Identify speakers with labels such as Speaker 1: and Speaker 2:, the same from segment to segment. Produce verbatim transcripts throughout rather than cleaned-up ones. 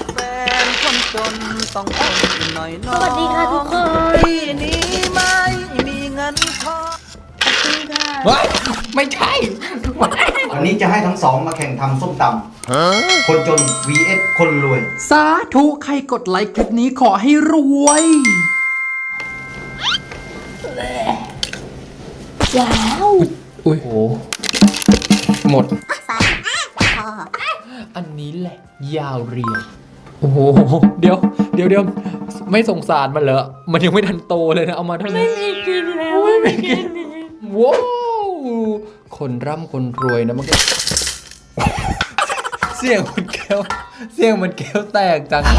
Speaker 1: แฟนคนจนต้องทนหน่อยน้อง
Speaker 2: สวัสดีค่ะทุกคน
Speaker 1: ที่นี้ไม่มีเงินทอง
Speaker 3: เฮ้ยไม่ใช่
Speaker 4: วันนี้จะให้ทั้งสองมาแข่งทำส้มตำคนจน วี เอส คนรวย
Speaker 3: สาธุใครกดไลค์คลิปนี้ขอให้รวย
Speaker 2: ว้าว
Speaker 3: อุ้ยโหหมด
Speaker 2: สายพอ
Speaker 3: อันนี้แหละ ยาวเรียว โอ้โห เดี๋ยว เดี๋ยวเดี๋ยวไม่สงสารมันเหรอ มันยังไม่ทันโตเลยนะ เอามาเท่านี้
Speaker 2: ไม่กินแล้วไม่กิน
Speaker 3: ว้าวคนร่ำคนรวยนะมันก็ เสียงมันแก้ว เสียงมันแก้วแตกจัง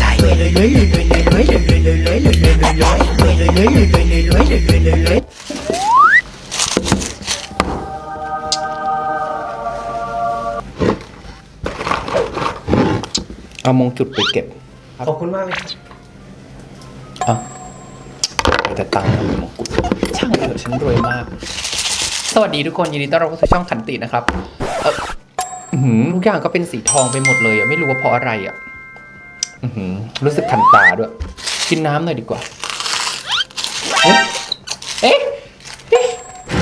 Speaker 3: เอามงจุดไปเก็บ
Speaker 4: ขอบคุณมากเลย
Speaker 3: อ่ะแต่ตังค์ทำเป็นมงกุฎช่างเถอะฉันรวยมาก สวัสดีทุกคนยินดีต้อนรับเข้าสู่ช่องขันตินะครับเอออื้อหือทุกอย่างก็เป็นสีทองไปหมดเลยอ่ะไม่รู้ว่าเพราะอะไรอ่ะอื้อหือรู้สึกคันตาด้วย กินน้ำหน่อยดีกว่าเอ๊ะเอ๊ะเอ๊ะ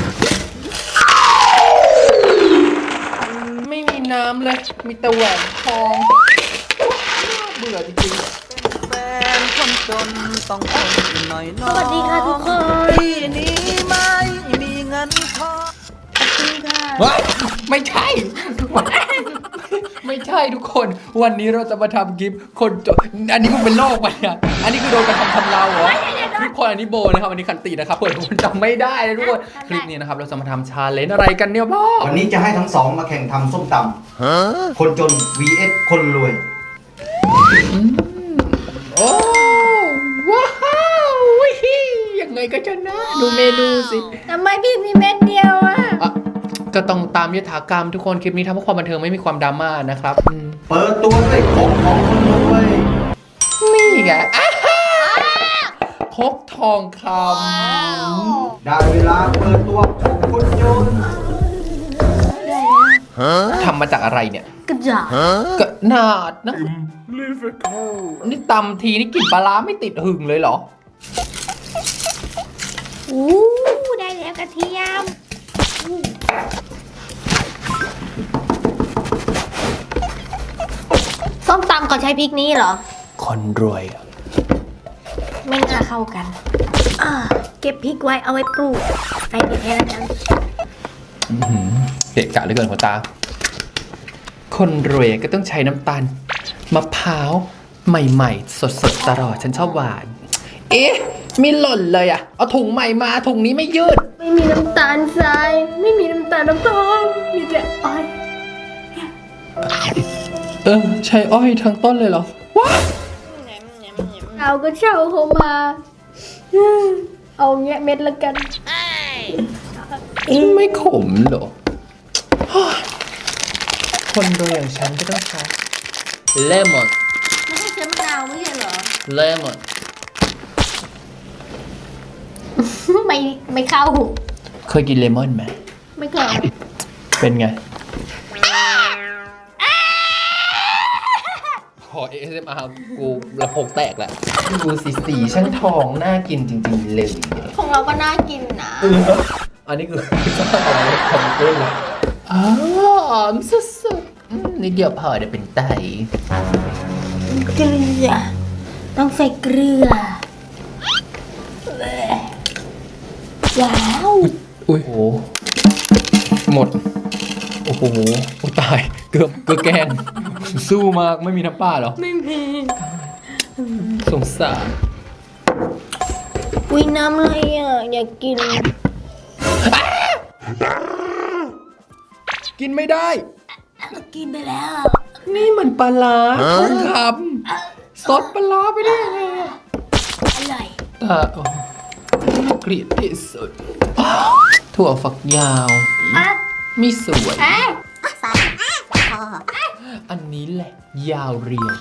Speaker 3: ไม่มีน้ำเลยมีแต่แหวนทองเบื่อจริงๆ
Speaker 1: แฟนคนจนต้องทนหน่อยน้อง
Speaker 2: สวัสดีค่ะทุกคน
Speaker 1: ที่นี้ไม่มีเงินทอง
Speaker 3: เฮ้ยไม่ใช่ ไม่ใช่ทุกคน วันนี้เราจะมาทำคลิปคนจนอันนี้มันเป็นโรคปะเนี่ยอันนี้คือโดนกระทำทำเราเหรอทุกคนอันนี้โบนะครับอันนี้คันตินะครับเผื่อทุกคนจำไม่ได้เลยทุกคนคลิปนี้นะครับเราจะมาทำชาเลนจ์อะไรกันเนี่ยพ่อ
Speaker 4: วันนี้จะให้ทั้งสองมาแข่งทำส้มตำคนจน วี เอส คนรวย
Speaker 3: โอ้ว้าววิฮียังไงก็ชนะดูเมนูสิ
Speaker 2: ทำไมพี่มีเม็ดเดียวอ่ะ
Speaker 3: อ่ะก็ต้องตามยถากรรมทุกคนคลิปนี้ทำเพื่อความบันเทิงไม่มีความดราม่านะครับอืม
Speaker 4: เปิดตัวด้วยของของคนรวย
Speaker 3: นี่ไงอ่าฮ่าครกทองค
Speaker 4: ได้เวลาเปิดตัวของคนจน
Speaker 3: ำทำมาจากอะไรเนี่ย
Speaker 2: กระจาด
Speaker 3: กระนาดนะนี่ตำทีนี่กลิ่นปลาร้าไม่ติดหึงเลยเหรอ
Speaker 2: อู้ได้แล้วกระเทียมส้มตำเขาใช้พริกนี้เหรอ
Speaker 3: คนรวยอะ
Speaker 2: ไม่น่าเข้ากันอ่าเก็บพริกไว้เอาไว้ปลูกใส่พริกแค่นั้น
Speaker 3: อื้อหือเด็กกะเหลือเกินหัวตา คนรวยก็ต้องใช้น้ำตาลมะพร้าวใหม่ๆ สดๆตลอดฉันชอบหวาน เอ๊ะมีหล่นเลยอะเอาถุงใหม่มาถุงนี้ไม่ยืด
Speaker 2: ไม่มีน้ำตาลทรายไม่มีน้ำตาลน้ำตาลมีแต่อ้อย
Speaker 3: เออใช้อ้อยทั้งต้นเลยเหรอว้า
Speaker 2: เราก็เช่าเขามา เอาเงี้ยเม็ดละกัน
Speaker 3: ไม่ขมเหรอ คนรวยอย่างฉันก็ต้องใช้เลมอน
Speaker 2: ไม่ให้ใช้มะนาวไม่ใช่เหรอ
Speaker 3: เลมอน
Speaker 2: ไม่ไม่เข้า
Speaker 3: เคยกินเลมอนไหม
Speaker 2: ไม่เคย
Speaker 3: เป็นไง ขอ เอ เอส เอ็ม อาร์ กูระโพกแตกแหละดูสีสีช่างทองน่ากินจริงๆเลย
Speaker 2: ของเราก็น่ากินนะ
Speaker 3: อันนี้คือสร้างอะไรทำเล่นเลยอ๋อหอมสุดๆอืมนิดเดียวพอเดี๋ยวเป็นไต
Speaker 2: เกลือต้องใส่เกลือว้าว
Speaker 3: อุ้ยโหหมด โอ้โหโอ้ตาย เกือบเกือบแกงสู้มากไม่มีน้ำปลาเหรอ
Speaker 2: ไม่มี
Speaker 3: สงสาร
Speaker 2: อุ้ยน้ำอะไรอ่ะอยากกิน
Speaker 3: กินไม่ได้
Speaker 2: กินไปแล้ว
Speaker 3: นี่มันปลาร้าทองคำซดปลาร้าไปได้ไงอะ
Speaker 2: อร่อย
Speaker 3: ตาโอ้เกลียดที่สุดถั่วฝักยาว
Speaker 2: อ่ะ
Speaker 3: มีสวย
Speaker 2: เอ๊ะสายพอ
Speaker 3: อันนี้แหละ ยาวเรียว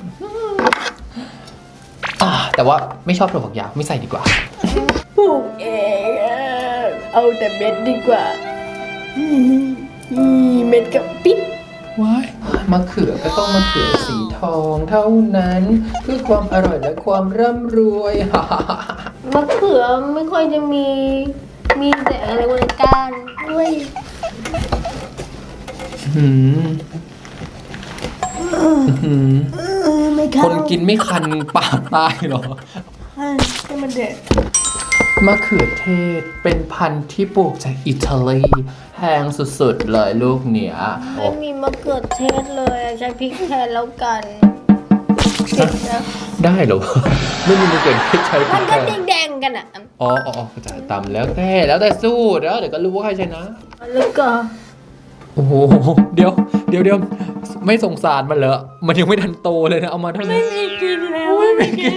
Speaker 3: อ่าแต่ว่าไม่ชอบถั่วฝักยาวไม่ใส่ดีกว่า
Speaker 2: ปลูกเองอ่ะเอาแต่เม็ดดีกว่า เม็ดกับปิ๊ด
Speaker 3: ว้ายมะเขือก็ต้องมะเขือสีทองเท่านั้นเพื่อความอร่อยและความร่ำรวย
Speaker 2: มะเขือไม่ค่อยจะมีมีแต่อะไรวะก้านด้วย
Speaker 3: หืมหืม
Speaker 2: ไม่เข้า
Speaker 3: คนกินไม่คันปากตายเหรอ
Speaker 2: ให้มันเด็ด
Speaker 3: มะเขือเทศเป็นพันธุ์ที่ปลูกจากอิตาลีแพงสุดๆเลยลูกเนี้ย
Speaker 2: ไม่มีมะเขือเทศเลยใช้พริกแทนแล้วกันเผ็ดนะ
Speaker 3: ได้เหรอ ไม่มีมะเขือเทศใช้พริ
Speaker 2: มัน
Speaker 3: ก
Speaker 2: ก็
Speaker 3: แทน
Speaker 2: แดงๆกันอ่ะ
Speaker 3: อ๋ออ๋อเข้าใจตำแล้วแต่แล้วแต่สู้แล้วเดี๋ยวก็รู้ว่าใครชนะ
Speaker 2: แล้วก็
Speaker 3: โอ้โหเดี๋ยวเดี๋ยวเดี๋ยวไม่สงสารมันเหรอมันยังไม่ทันโตเลยนะเอามาเท่านี้
Speaker 2: ไม่กินแล้วไม่กิน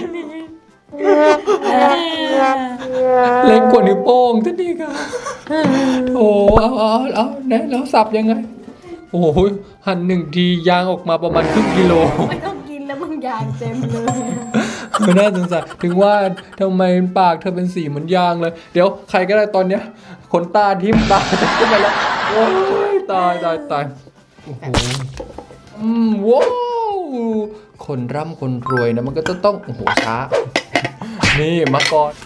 Speaker 3: เล็กกว่านิ้วโป้งท่านนี่ค่ะโอ้เอาเอาเอาไหนแล้วสับยังไงโอ้โหหั่นหนึ่งทียางออกมาประมาณครึ่งกิโล
Speaker 2: ไม่ต้องกินแล้วมึงยางเต็มเลย
Speaker 3: ไม่น่าสงสารถึงว่าทำไมปากเธอเป็นสีเหมือนยางเลย เดี๋ยวใครก็ได้ตอนเนี้ยขนตาทิ่มตาจะขึ้นไปแล้วโอ้ยตายตายตายโอ้โหอืมว้าวคนร่ำคนรวยนะมันก็จะต้องโอ้โหช้านี่มาก่อน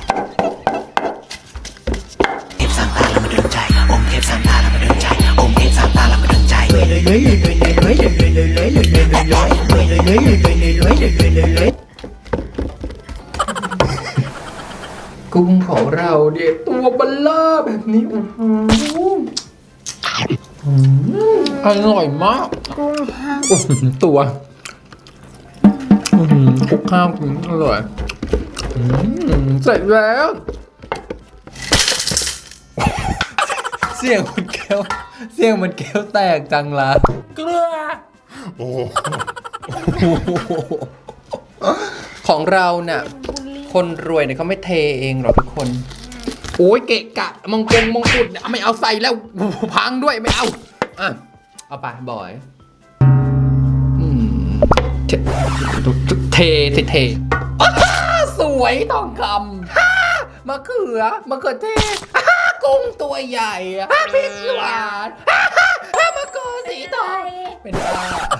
Speaker 1: เทพสามตาแล้วมาดึงใจองค์เทพสามตาแล้วมาดึงใจองค์เทพสามตาแล้วมาดึงใจรวยเลยรวยเลยรวยเลยรวยเลยรวยเลยรวยเลยรวยเลยรวยเลยรวยเลยรวยเลยรวยเลยรวยเลยรวย
Speaker 3: กุ้งของเราเนี่ยตัวเบลล่าแบบนี้อื้อหืออืมอร่อยมาก
Speaker 2: กุ้งห้าง
Speaker 3: อื้อหือตัวอื้อหือคลุกข้าวกินอร่อยอืมเสร็จแล้ว เสียงมันแก้วเสียงมันแก้วแตกจังละเกลือโอ้โหของเราเนี่ยคนรวยเนี่ยเขาไม่เทเองหรอกทุกคน โอ้ยเกะกะมงกงมงกุฎไม่เอาใส่แล้วพังด้วยไม่เอาอ่ะเอาไปบ่อยอืมเทเทเทเทอ้าสวยทองคำฮ่ามะเขือมะเขือเทศฮ่ากุ้งตัวใหญ่ฮ่าพริกหวานฮ่าฮ่ามะกรูดสีทองเป็นบ้า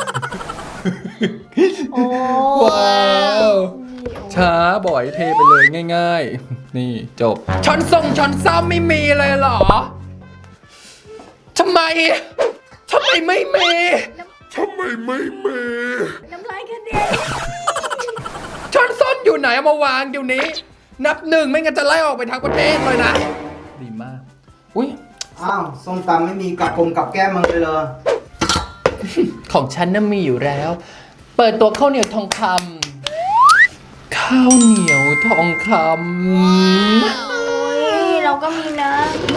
Speaker 2: โอ้
Speaker 3: ว้าวช้าบ่อยเทไปเลยง่ายๆ นี่จบช้อนส่งช้อนซ้ำไม่มีเลยเหรอทำไมทำไมไม่มีทำไมไม่มี
Speaker 2: น้ำลายกระเด็น
Speaker 3: ช้อนส้อมอยู่ไหนเอามาวางเดี๋ยวนี้ นับหนึ่งไม่งั้นจะไล่ออกไปทั้งประเทศเลยนะ ดีมากอุ้ย
Speaker 4: อ้าวส้มตำไม่มีกับกลมกับแก้มมึงเลยเหรอ
Speaker 3: ของฉันน่ะมีอยู่แล้ว เปิดตัวข้าวเหนียวทองคำข้าวเหนียวทองคำ
Speaker 2: โอ้ยเราก็มีนะ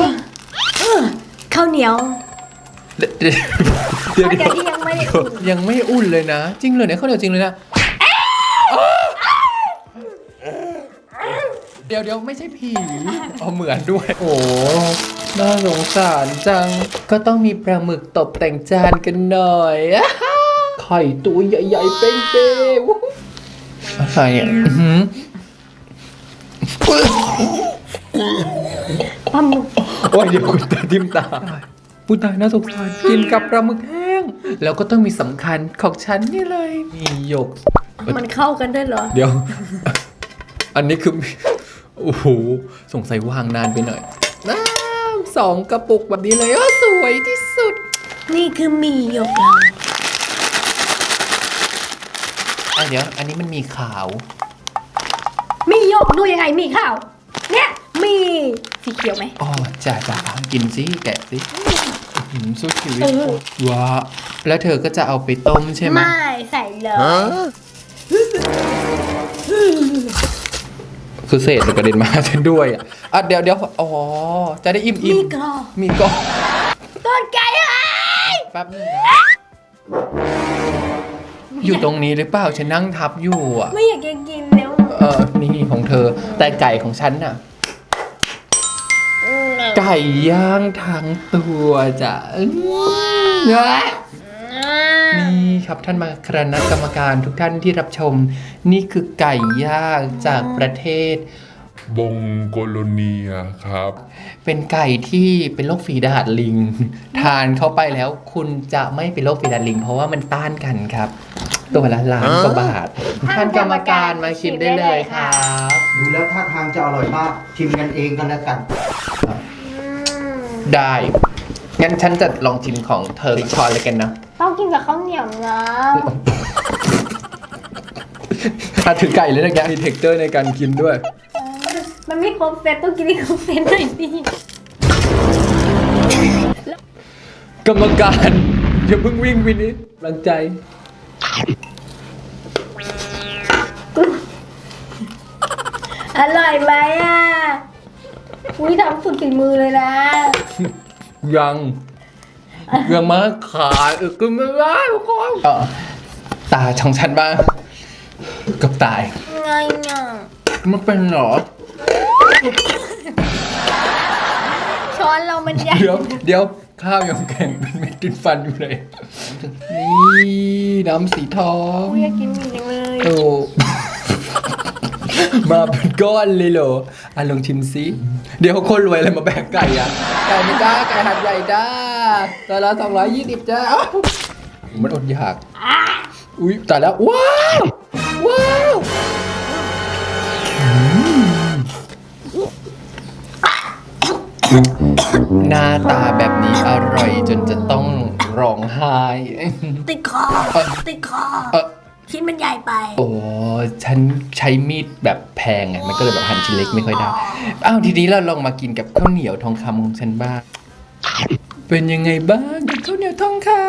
Speaker 2: ข้าวเหนียว
Speaker 3: เดี๋ยวเดี๋ยว
Speaker 2: ข้าวเหนียวที่ยังไม่ได้อุ่น
Speaker 3: ยังไม่อุ่นเลยนะ จริงเลยเนี่ยข้าวเหนียวจริงเลยนะเดี๋ยวเดี๋ยวไม่ใช่ผีเอาเหมือนด้วย โอ้น่าสงสารจังก็ต้องมีปลาหมึกตบแต่งจานกันหน่อยไข่ตัวใหญ่ๆเป้งๆอะไรอ่ะอื้อหือ
Speaker 2: ปลาหมึก
Speaker 3: โอ้ยเดี๋ยวคุณตาทิมตาผู้ตายน่าสงสารกินกับปลาหมึกแห้งแล้วก็ต้องมีสำคัญของฉันนี่เลยมีหยก
Speaker 2: มันเข้ากันได้เหรอ
Speaker 3: เดี๋ยว อันนี้คือโอ้โหสงสัยวางนานไปหน่อยน้ำสองกระปุกแบบนี้เลยอ๋อสวยที่สุด
Speaker 2: นี่คือหมี่หยกเรา
Speaker 3: อ่ะเดี๋ยว อันนี้มันมีขาว
Speaker 2: หมี่หยกดูยังไงหมี่ข้าวเนี่ยหมี่สีเขียวไหม
Speaker 3: อ๋อจ้าจ้ากินสิแกะสิอื้อหือสู้ชีวิต
Speaker 2: เออ
Speaker 3: ว้าแล้วเธอก็จะเอาไปต้มใช่ไหม
Speaker 2: ไม่ใส่เลย
Speaker 3: คือเศษมันกระเด็นมาฉันด้วยอ่ะอ่ะเดี๋ยวเดี๋ยวอ๋อ จะได้อิ่มอิ่
Speaker 2: มี
Speaker 3: ม
Speaker 2: กรอบ
Speaker 3: มีกรอบ
Speaker 2: ต้นไก่หาย
Speaker 3: แป๊บนึงนะอยู่ตรงนี้หรือเปล่าฉันนั่งทับอยู่อ่ะ
Speaker 2: ไม่อยากจะกินแล้ว
Speaker 3: เออ นี่ของเธอ แต่ไก่ของฉันน่ะ ไก่ย่างทั้งตัวจ้ะอื้อนี่ครับท่านมาคณะกรรมการทุกท่านที่รับชม นี่คือไก่ย่างจากประเทศ
Speaker 5: บงโกโลเนียครับ
Speaker 3: เป็นไก่ที่เป็นโรคฝีดาษลิง ทานเข้าไปแล้ว คุณจะไม่เป็นโรคฝีดาษลิง เพราะว่ามันต้านกันครับ ตัวละล้านกว่าบาทท่านกรรมการมาชิมได้เลยครับ
Speaker 4: ดูแล้วท่าทางจะอร่อยมาก ชิมกันเองกันแล้วกัน
Speaker 3: ได้ งั้นฉันจะลองชิมของเธออีกช้อนเลยกันนะ
Speaker 2: ต้องกินกับข้าวเหนียวนะ
Speaker 3: อาถือไก่เลยนะแกมีเท็กเจอร์ในการกินด้วย
Speaker 2: มันไม่ครบเซตต้องกินให้ครบเซตหน่อยสิ
Speaker 3: กรรมการอย่าเพิ่งวิ่งวินิจกำลังใจ
Speaker 2: อร่อยไหมอ่ะอุ้ยทำสุดฝีมือเลยนะ
Speaker 3: ยังยังมาขายเออก็ไม่ได้ทุกคนเออตาช่องฉันบ้างกับตาย
Speaker 2: ไงอ่ะ
Speaker 3: มันเป็นเหรอ
Speaker 2: ช้อนเรามันใหญ่
Speaker 3: เดี๋ยวเดี๋ยวข้าวยังแข็งเป็นเม็ดติดฟันอยู่เลย นี่น้ำสีทอง
Speaker 2: อุ้ยอยากกินหมี่จังเลย
Speaker 3: โอ้ มาเป็นก้อนเลยเหรออ่ะลองชิมซิเดี๋ยวคนรวยอะไรมาแบ่งไก่อ่ะ ไก่ไม่จ้าไก่หัดใหญ่จ้าตัวละสองร้อยยี่สิบจ้าอ้าวมันอดอยาก อุ้ยตายแล้ว ว้าว ว้าวหน้าตาแบบนี้อร่อยจนจะต้องร้องไห้
Speaker 2: ติดคอ ติดคอ
Speaker 3: เออ
Speaker 2: ชิ้นมันใหญ่ไป
Speaker 3: โอ้ฉันใช้มีดแบบแพงไงมันก็เลยแบบหั่นชิ้นเล็กไม่ค่อยได้ อ้าวทีนี้เราลองมากินกับข้าวเหนียวทองคำของฉันบ้าง เป็นยังไงบ้างกับข้าวเหนียวทองคำ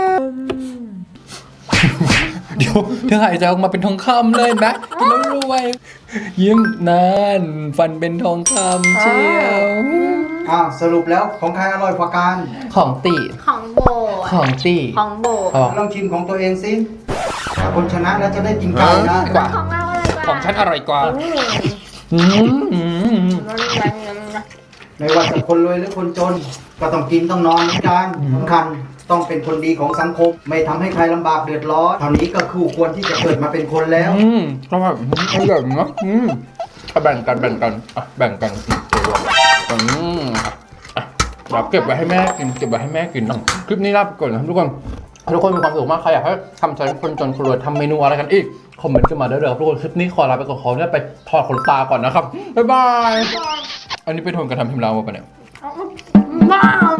Speaker 3: เดี๋ยวเธอหายใจออกมาเป็นทองคำเลยนะกินแล้วรวย ยิ้มนานฟันเป็นทองคำเชียว
Speaker 4: อ่าสรุปแล้วของใครอร่อยกว่ากัน
Speaker 3: ของตี
Speaker 2: ของโบ
Speaker 3: ของตี
Speaker 2: ของโบ
Speaker 3: อ๋อ
Speaker 4: ลองชิมของตัวเองสิถ้าคนชนะแล้วจะได้กินไก่นะ
Speaker 3: กว่า
Speaker 2: ของเราอะไรกว่า
Speaker 3: ของฉันอร่อยกว่า
Speaker 2: อืม
Speaker 3: อืมอืมอืม
Speaker 4: ไม่ว่าจะคนรวยหรือคนจน ก็ต้องกินต้องนอนเหมือนกันสำคัญต้องเป็นคนดีของสังคม ไม่ทำให้ใครลำบากเดือดร้อนเท่านี้ก็คู่ควรที่จะเกิดมาเป็นคนแล้ว
Speaker 3: อืมก็แบบอร่อยเนาะอืมเอาแบ่งกันแบ่งกันอ่ะแบ่งกันอืมอ่ะเดี๋ยวเก็บไว้ให้แม่กินเก็บไว้ให้แม่กินนะคลิปนี้ลาไปก่อนนะครับทุกคนทุกคนมีความสุขมากใครอยากให้ทำใจคนจนคนรวยทำเมนูอะไรกันอีกคอมเมนต์กันมาได้เลยทุกคนคลิปนี้ขอลาไปก่อนขอเนี่ยไปถอดขนตาก่อนนะครับบ๊ายบายอันนี้เป็นโทนกระทำพิมพ์ลาวมาปะเนี่ย
Speaker 2: บ้า